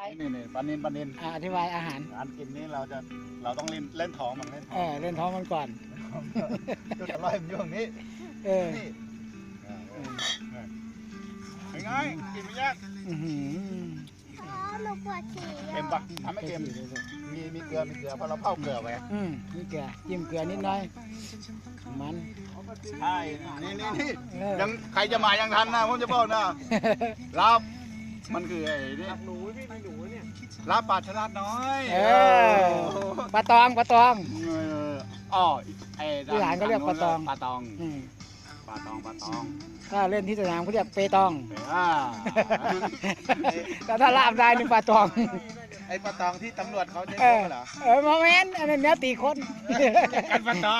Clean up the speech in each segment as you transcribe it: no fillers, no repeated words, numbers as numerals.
นี่ปลานินอธิบายอาหารการกินนี้เราต้องเล่นท้องมันเล่นท้องเล่นท้องมันก่อนก็จะลอยมันอยู่ตรงนี้นี่เป็นไงกินไม่ยากหนูปวดฉี่เค็มปะทำให้เค็มมีเกลือเพราะเราเผาเกลือไว้มีเกลือจิ้มเกลือนิดหน่อยมันใช่นี่ยังใครจะมายังทันนะผมจะบอกนะลาบมันคือไอ้นี่หนูพี่หนูเนี่ยลาบปลาฉลาดน้อยปลาตองอ๋อไอ้ที่หลานเขาเรียกปลาตองถ้าเล่นที่สนามเขาเรียกเปตองแต่ถ้าลาบได้นี่ปลาตองไอ้ปลาตองที่ตำรวจเขาใช้เหรอมาแม่นอันนี้เนื้อตีคนกันปลาตอง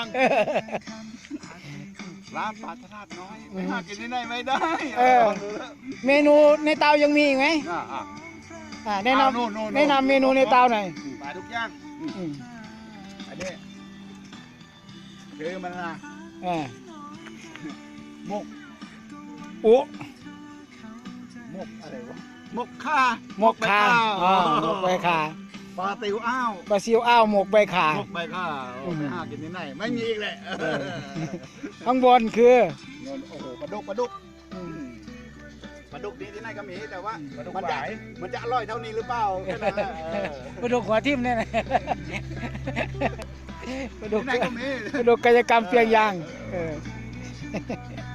ลาบปลาฉลาดน้อยไม่หากินที่ไหนไม่ได้เมนูในเตายังมีอีกไหมแนะนำเมนูในเตาหน่อยปลาทุกอย่างอันนี้คือมันนะมกอะไรวะมกข่าหมกใบข่าปลาติวอ้าวปลาซิวอ้าวหมกใบข่าไปหากินที่ไหนไม่มีอีกแหละข้างบนคือโอ้โหปลาดุกนี้ที่ไหนก็มีแต่ว่ามันจะอร่อยเท่านี้หรือเปล่าปลาดุกหัวทิ่มเนี่ยปลาดุกที่ไหนก็มีปลาดุกกายกรรมเพียงยาง